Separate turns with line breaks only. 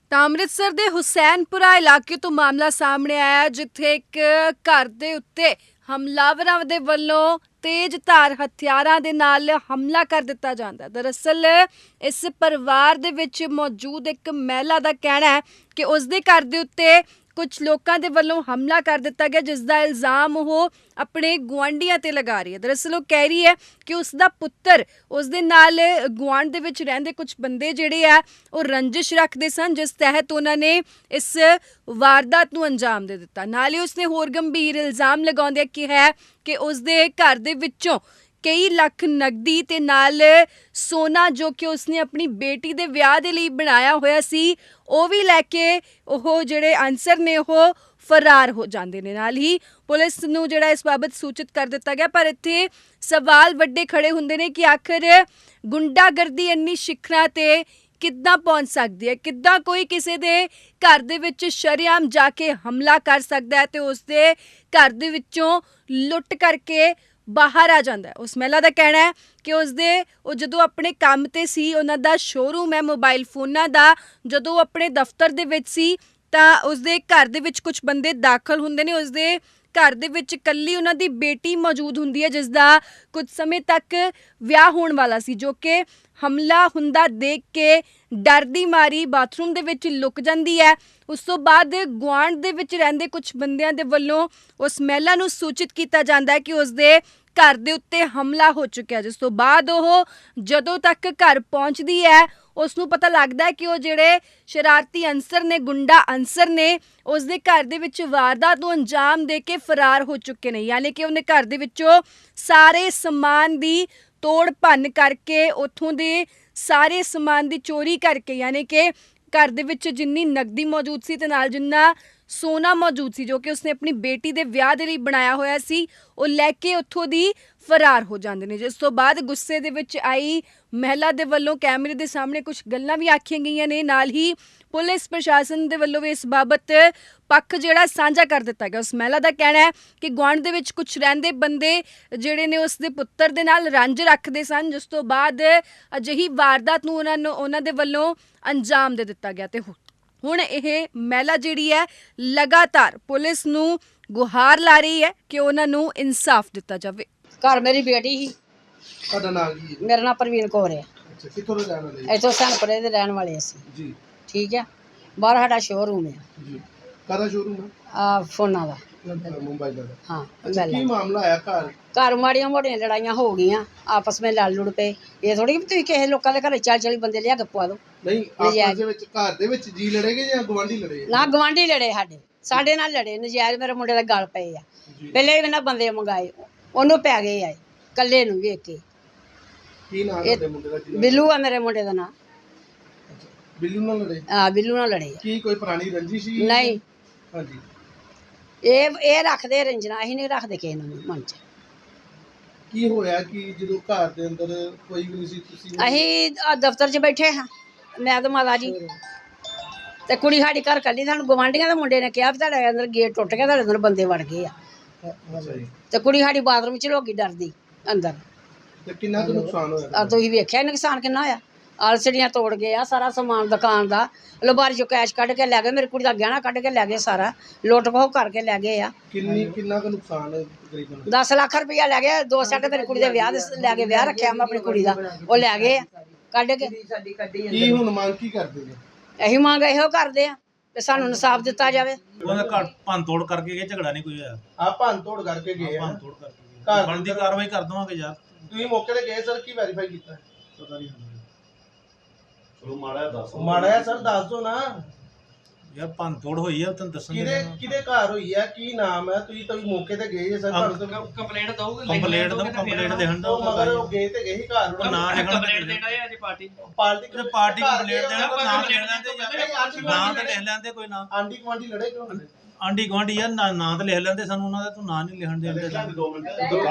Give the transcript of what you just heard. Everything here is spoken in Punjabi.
ਤਾਂ ਅੰਮ੍ਰਿਤਸਰ ਦੇ ਹੁਸੈਨਪੁਰਾ ਇਲਾਕੇ ਤੋਂ ਮਾਮਲਾ ਸਾਹਮਣੇ ਆਇਆ ਜਿੱਥੇ ਇੱਕ ਘਰ ਦੇ ਉੱਤੇ ਹਮਲਾਵਰਾਂ ਦੇ ਵੱਲੋਂ ਤੇਜ਼ ਧਾਰ ਹਥਿਆਰਾਂ ਦੇ ਨਾਲ ਹਮਲਾ ਕਰ ਦਿੱਤਾ ਜਾਂਦਾ ਹੈ। ਦਰਅਸਲ ਇਸ ਪਰਿਵਾਰ ਦੇ ਵਿੱਚ ਮੌਜੂਦ ਇੱਕ ਮਹਿਲਾ ਦਾ ਕਹਿਣਾ ਹੈ ਕਿ ਉਸ ਦੇ ਘਰ ਦੇ ਉੱਤੇ ਕੁਝ ਲੋਕਾਂ ਦੇ ਵੱਲੋਂ ਹਮਲਾ ਕਰ ਦਿੱਤਾ ਗਿਆ, ਜਿਸ ਦਾ ਇਲਜ਼ਾਮ ਉਹ ਆਪਣੇ ਗੁਆਂਢੀਆਂ ਤੇ ਲਗਾ ਰਹੀ ਹੈ। ਦਰਅਸਲ ਉਹ ਕਹਿ ਰਹੀ ਹੈ ਕਿ ਉਸ ਦਾ ਪੁੱਤਰ ਉਸ ਦੇ ਨਾਲ ਗੁਆਂਢ ਦੇ ਵਿੱਚ ਰਹਿੰਦੇ ਕੁਝ ਬੰਦੇ ਜਿਹੜੇ ਆ ਉਹ ਰੰਜਿਸ਼ ਰੱਖਦੇ ਸਨ, ਜਿਸ ਤਹਿਤ ਉਹਨਾਂ ਨੇ ਇਸ ਵਾਰਦਾਤ ਨੂੰ ਅੰਜਾਮ ਦੇ ਦਿੱਤਾ। ਨਾਲ ਹੀ ਉਸਨੇ ਹੋਰ ਗੰਭੀਰ ਇਲਜ਼ਾਮ ਲਗਾਉਂਦਿਆਂ ਕਿਹਾ ਕਿ ਉਸ ਦੇ ਘਰ ਦੇ ਵਿੱਚੋਂ ਕਈ ਲੱਖ ਨਕਦੀ ਤੇ ਨਾਲ ਸੋਨਾ ਜੋ ਕਿ ਉਸਨੇ ਆਪਣੀ ਬੇਟੀ ਦੇ ਵਿਆਹ ਦੇ ਲਈ ਬਣਾਇਆ ਹੋਇਆ ਸੀ ਉਹ ਵੀ ਲੈ ਕੇ ਉਹ ਜਿਹੜੇ ਅਨਸਰ ਨੇ ਉਹ ਫਰਾਰ ਹੋ ਜਾਂਦੇ ਨੇ। ਨਾਲ ਹੀ ਪੁਲਿਸ ਨੂੰ ਜਿਹੜਾ ਇਸ ਬਾਬਤ ਸੂਚਿਤ ਕਰ ਦਿੱਤਾ ਗਿਆ, ਪਰ ਇੱਥੇ ਸਵਾਲ ਵੱਡੇ ਖੜੇ ਹੁੰਦੇ ਨੇ ਕਿ ਆਖਰ ਗੁੰਡਾਗਰਦੀ ਇੰਨੀ ਸ਼ਿਖਰਾਂ ਤੇ ਕਿੱਦਾਂ ਪਹੁੰਚ ਸਕਦੀ ਹੈ, ਕਿੱਦਾਂ ਕੋਈ ਕਿਸੇ ਦੇ ਘਰ ਦੇ ਵਿੱਚ ਸ਼ਰੇਆਮ ਜਾ ਕੇ ਹਮਲਾ ਕਰ ਸਕਦਾ ਹੈ ਤੇ ਉਸ ਦੇ ਘਰ ਦੇ ਵਿੱਚੋਂ ਲੁੱਟ ਕਰਕੇ ਬਾਹਰ ਆ ਜਾਂਦਾ ਹੈ। ਉਸ ਮਹਿਲਾ ਦਾ ਕਹਿਣਾ ਹੈ ਕਿ ਉਹ ਜਦੋਂ ਆਪਣੇ ਕੰਮ ਤੇ ਸੀ, ਉਹਨਾਂ ਦਾ ਸ਼ੋਰੂਮ ਹੈ ਮੋਬਾਈਲ ਫੋਨਾਂ ਦਾ, ਜਦੋਂ ਉਹ ਆਪਣੇ ਦਫ਼ਤਰ ਦੇ ਵਿੱਚ ਸੀ ਤਾਂ ਉਸਦੇ ਘਰ ਦੇ ਵਿੱਚ ਕੁਝ ਬੰਦੇ ਦਾਖਲ ਹੁੰਦੇ ਨੇ। ਉਸਦੇ ਘਰ ਦੇ ਵਿੱਚ ਇਕੱਲੀ ਉਹਨਾਂ ਦੀ ਬੇਟੀ ਮੌਜੂਦ ਹੁੰਦੀ ਹੈ, ਜਿਸ ਦਾ ਕੁਝ ਸਮੇਂ ਤੱਕ ਵਿਆਹ ਹੋਣ ਵਾਲਾ ਸੀ, ਜੋ ਕਿ ਹਮਲਾ ਹੁੰਦਾ ਦੇਖ ਕੇ ਡਰਦੀ ਮਾਰੀ ਬਾਥਰੂਮ ਦੇ ਵਿੱਚ ਲੁਕ ਜਾਂਦੀ ਹੈ। ਉਸ ਤੋਂ ਬਾਅਦ ਗੁਆਂਢ ਦੇ ਵਿੱਚ ਰਹਿੰਦੇ ਕੁਝ ਬੰਦਿਆਂ ਦੇ ਵੱਲੋਂ ਉਸ ਮਹਿਲਾ ਨੂੰ ਸੂਚਿਤ ਕੀਤਾ ਜਾਂਦਾ ਹੈ ਕਿ ਉਸਦੇ ਘਰ ਦੇ ਉੱਤੇ ਹਮਲਾ ਹੋ ਚੁੱਕਿਆ, ਜਿਸ ਤੋਂ ਬਾਅਦ ਉਹ ਜਦੋਂ ਤੱਕ ਘਰ ਪਹੁੰਚਦੀ ਹੈ ਉਸ ਨੂੰ ਪਤਾ ਲੱਗਦਾ ਹੈ ਕਿ ਉਹ ਜਿਹੜੇ ਸ਼ਰਾਰਤੀ ਅਨਸਰ ਨੇ, ਗੁੰਡਾ ਅਨਸਰ ਨੇ, ਉਸ ਦੇ ਘਰ ਦੇ ਵਿੱਚ ਵਾਰਦਾਤ ਨੂੰ ਅੰਜਾਮ ਦੇ ਕੇ ਫਰਾਰ ਹੋ ਚੁੱਕੇ ਨੇ। ਯਾਨੀ ਕਿ ਉਹਨੇ ਘਰ ਦੇ ਵਿੱਚੋਂ ਸਾਰੇ ਸਮਾਨ ਦੀ ਤੋੜ ਭੰਨ ਕਰਕੇ, ਉੱਥੋਂ ਦੇ ਸਾਰੇ ਸਮਾਨ ਦੀ ਚੋਰੀ ਕਰਕੇ, ਯਾਨੀ ਕਿ ਘਰ ਦੇ ਵਿੱਚ ਜਿੰਨੀ ਨਕਦੀ ਮੌਜੂਦ ਸੀ ਤੇ ਨਾਲ ਜਿੰਨਾ ਸੋਨਾ ਮੌਜੂਦ ਸੀ ਜੋ ਕਿ ਉਸਨੇ ਆਪਣੀ ਬੇਟੀ ਦੇ ਵਿਆਹ ਦੇ ਲਈ ਬਣਾਇਆ ਹੋਇਆ ਸੀ, ਉਹ ਲੈ ਕੇ ਉੱਥੋਂ ਦੀ ਫਰਾਰ ਹੋ ਜਾਂਦੇ ਨੇ। ਜਿਸ ਤੋਂ ਬਾਅਦ ਗੁੱਸੇ ਦੇ ਵਿੱਚ ਆਈ ਮਹਿਲਾ ਦੇ ਵੱਲੋਂ ਕੈਮਰੇ ਦੇ ਸਾਹਮਣੇ ਕੁਝ ਗੱਲਾਂ ਵੀ ਆਖੀਆਂ ਗਈਆਂ ਨੇ। ਨਾਲ ਹੀ ਪੁਲਿਸ ਪ੍ਰਸ਼ਾਸਨ ਦੇ ਵੱਲੋਂ ਵੀ ਇਸ ਬਾਬਤ ਪੱਖ ਜਿਹੜਾ ਸਾਂਝਾ ਕਰ ਦਿੱਤਾ ਗਿਆ। ਉਸ ਮਹਿਲਾ ਦਾ ਕਹਿਣਾ ਹੈ ਕਿ ਗੁਆਂਢ ਦੇ ਵਿੱਚ ਕੁਝ ਰਹਿੰਦੇ ਬੰਦੇ ਜਿਹੜੇ ਨੇ ਉਸ ਦੇ ਪੁੱਤਰ ਦੇ ਨਾਲ ਰੰਜ ਰੱਖਦੇ ਸਨ, ਜਿਸ ਤੋਂ ਬਾਅਦ ਅਜਿਹੀ ਵਾਰਦਾਤ ਨੂੰ ਉਹਨਾਂ ਦੇ ਵੱਲੋਂ ਅੰਜਾਮ ਦੇ ਦਿੱਤਾ ਗਿਆ। ਤੇ ਹੁਣ ਇਹ ਮਹਿਲਾ ਜਿਹੜੀ ਹੈ ਲਗਾਤਾਰ ਪੁਲਿਸ ਨੂੰ ਗੁਹਾਰ ਲਾ ਰਹੀ ਹੈ ਕਿ ਉਹਨਾਂ ਨੂੰ ਇਨਸਾਫ ਦਿੱਤਾ ਜਾਵੇ।
ਘਰ ਮੇਰੀ ਬੇਟੀ ਸੀ।
ਤੁਹਾਡਾ ਨਾਮ ਕੀ ਹੈ?
ਮੇਰਾ ਨਾਮ ਪ੍ਰਵੀਨ ਕੌਰ ਹੈ।
ਅੱਛਾ, ਕਿੱਥੋਂ ਦੇ ਰਹਿਣ ਵਾਲੇ?
ਇੱਥੋਂ ਸਨਪੁਰੇ ਦੇ ਰਹਿਣ ਵਾਲੇ ਅਸੀਂ
ਜੀ।
ਠੀਕ ਹੈ। ਬਾਹਰ ਸਾਡਾ ਸ਼ੋਰੂਮ ਹੈ
ਜੀ। ਕਾਹਦਾ ਸ਼ੋਰੂਮ ਹੈ?
ਫੋਨਾਂ ਦਾ,
ਮੁੰਬਈ ਦਾ।
ਹਾਂ।
ਕੀ ਮਾਮਲਾ ਆਇਆ?
ਘਰ ਮਾੜੀਆਂ ਮੋਟੀਆਂ ਲੜਾਈਆਂ ਹੋ ਗਈਆਂ, ਆਪਸ ਵਿੱਚ ਲੜ ਲੁੜ ਪਏ। ਇਹ ਥੋੜੀ ਕਿ ਤੁਸੀਂ ਕਿਸੇ ਲੋਕਾਂ ਦੇ ਘਰੇ 40 ਬੰਦੇ ਲਿਆ ਕੇ ਪਵਾ ਦਿਓ।
ਨਹੀਂ, ਆਪਸ ਦੇ ਵਿੱਚ ਘਰ ਦੇ ਵਿੱਚ ਜੀ ਲੜੇਗੇ ਜਾਂ ਗਵਾਂਢੀ ਲੜੇ?
ਨਾ, ਗਵਾਂਢੀ ਲੜੇ, ਸਾਡੇ ਨਾਲ ਲੜੇ ਨਜਾਇਜ਼। ਮੇਰੇ ਮੁੰਡੇ ਦਾ ਗਲ ਪਏ ਆ। ਪਹਿਲੇ ਵੀ ਇਹਨਾਂ ਬੰਦੇ ਮੰਗਾਏ, ਉਹਨੂੰ ਪੈ ਗਏ ਆ ਕੱਲੇ ਨੂੰ ਵੇਖ ਕੇ।
ਕੀ ਨਾਮ ਹੈ ਮੁੰਡੇ ਦਾ?
ਬਿੱਲੂ ਆ ਮੇਰੇ ਮੁੰਡੇ ਦਾ ਨਾਮ।
ਬਿੱਲੂ ਨਾਲ ਲੜੇ?
ਹਾਂ, ਬਿੱਲੂ ਨਾਲ ਲੜੇ।
ਕੀ ਕੋਈ ਪੁਰਾਣੀ ਰੰਜਿਸ਼ ਸੀ?
ਨਹੀਂ।
ਹਾਂਜੀ।
ਇਹ ਰੱਖਦੇ ਰੰਜਨਾ, ਅਸੀਂ ਨਹੀਂ ਰੱਖਦੇ ਕਿਸੇ ਨੂੰ ਮਨ 'ਚ।
ਕੀ ਹੋਇਆ ਕਿ ਜਦੋਂ ਘਰ ਦੇ ਅੰਦਰ ਕੋਈ ਵੀ ਨਹੀਂ ਸੀ, ਤੁਸੀਂ?
ਅਸੀਂ ਦਫ਼ਤਰ 'ਚ ਬੈਠੇ ਹਾਂ, ਮੈਂ ਤੇ ਮਾਤਾ ਜੀ, ਤੇ ਕੁੜੀ ਸਾਡੀ ਘਰ ਕੱਲੀ। ਸਾਨੂੰ ਗਵਾਂਢੀਆਂ ਦੇ ਮੁੰਡੇ ਨੇ ਕਿਹਾ ਵੀ ਤੁਹਾਡੇ ਅੰਦਰ ਗੇਟ ਟੁੱਟ ਗਿਆ, ਤੁਹਾਡੇ ਅੰਦਰ ਬੰਦੇ ਵੜ ਗਏ ਆ। ਤੇ ਕੁੜੀ ਸਾਡੀ ਬਾਥਰੂਮ 'ਚ ਲੋਕੀ ਡਰਦੀ ਅੰਦਰ।
ਤੇ ਕਿੰਨਾ ਕੁ ਨੁਕਸਾਨ ਹੋਇਆ?
ਤੁਸੀਂ ਵੇਖਿਆ ਨੁਕਸਾਨ ਕਿੰਨਾ ਹੋਇਆ। ਆਲਸੜੀਆਂ ਤੋੜ ਗਏ ਆ, ਸਾਰਾ ਸਮਾਨ ਦੁਕਾਨ ਦਾ। ਲਬਾਰੀ 'ਚੋਂ ਕੈਸ਼ ਕੱਢ ਕੇ ਲੈ ਗਏ, ਮੇਰੀ ਕੁੜੀ ਦਾ ਗਹਿਣਾ ਕੱਢ ਕੇ ਲੈ ਗਏ, ਸਾਰਾ ਲੁੱਟ ਖੋਹ ਕਰਕੇ ਲੈ ਗਏ ਆ।
ਕਿੰਨਾ ਕੁ ਨੁਕਸਾਨ ਹੈ ਤਕਰੀਬਨ?
10 ਲੱਖ ਰੁਪਇਆ ਲੈ ਗਏ। 2 ਸੈੱਟ ਮੇਰੀ ਕੁੜੀ ਦੇ ਵਿਆਹ ਦੇ ਲੈ ਕੇ ਵਿਆਹ ਰੱਖਿਆ ਮੈਂ ਆਪਣੀ ਕੁੜੀ ਦਾ, ਉਹ ਲੈ ਗਏ ਆ ਕੱਢ ਕੇ।
ਕੀ ਹੁਣ ਮੰਗ ਕੀ ਕਰਦੇ ਨੇ?
ਅਸੀਂ ਮੰਗ ਇਹੋ ਕਰਦੇ ਆ ਤੇ ਸਾਨੂੰ ਇਨਸਾਫ ਦਿੱਤਾ ਜਾਵੇ।
ਉਹਨੇ ਘਰ ਭੰਨ ਤੋੜ ਕਰਕੇ ਗਏ, ਝਗੜਾ ਨਹੀਂ ਕੋਈ ਹੋਇਆ।
ਆ ਭੰਨ ਤੋੜ ਕਰਕੇ ਗਏ ਆ?
ਭੰਨ ਤੋੜ ਕਰਕੇ ਘਰ ਬਣਦੀ ਕਾਰਵਾਈ ਕਰ ਦਵਾਂਗੇ ਯਾਰ।
ਤੁਸੀਂ ਮੌਕੇ ਤੇ ਗਏ ਸਰ? ਕੀ ਵੈਰੀਫਾਈ ਕੀਤਾ?
ਪਤਾ ਨਹੀਂ
ਚਲੋ ਮਾੜਾ ਹੈ ਸਰ, ਦੱਸ ਦੋ ਨਾ
ਯਾਰ। ਭੰਨ ਤੋੜ ਹੋਈ ਆ, ਤੈਨੂੰ ਦੱਸਣ
ਕਿਹਦੇ ਘਰ ਹੋਈ ਆ? ਕੀ ਨਾਮ ਹੈ? ਤੁਸੀਂ ਮੌਕੇ ਤੇ ਗਏ ਜੇ ਸਰ?
ਕੰਪਲੇਂਟ ਦਊਗੇ? ਕੰਪਲੇਂਟ ਦੇਣ ਦਾ
ਮਗਰ ਉਹ ਗਏ ਤੇ ਗਏ ਹੀ ਘਰ ਨੂੰ।
ਨਾਂ ਲਿਖਣ
ਕੰਪਲੇਂਟ ਦੇਣਾ ਹੈ ਅੱਜ ਪਾਰਟੀ
ਕੰਪਲੇਂਟ ਦੇਣਾ, ਕੋਈ ਨਾਮ ਲਿਖ ਲੈਂਦੇ, ਨਾਂ ਤੇ ਲਿਖ ਲੈਂਦੇ ਕੋਈ ਨਾਂ।
ਆਂਢੀ ਗੁਆਂਢੀ ਲੜੇ ਕਿਉਂ?
ਆਂਢੀ ਗੁਆਂਢੀ ਯਾਰ ਨਾਂ ਤੇ ਲਿਖ ਲੈਂਦੇ, ਸਾਨੂੰ ਉਹਨਾਂ ਦਾ ਤੂੰ ਨਾਂ ਨਹੀਂ ਲਿਖਣ ਦੇ।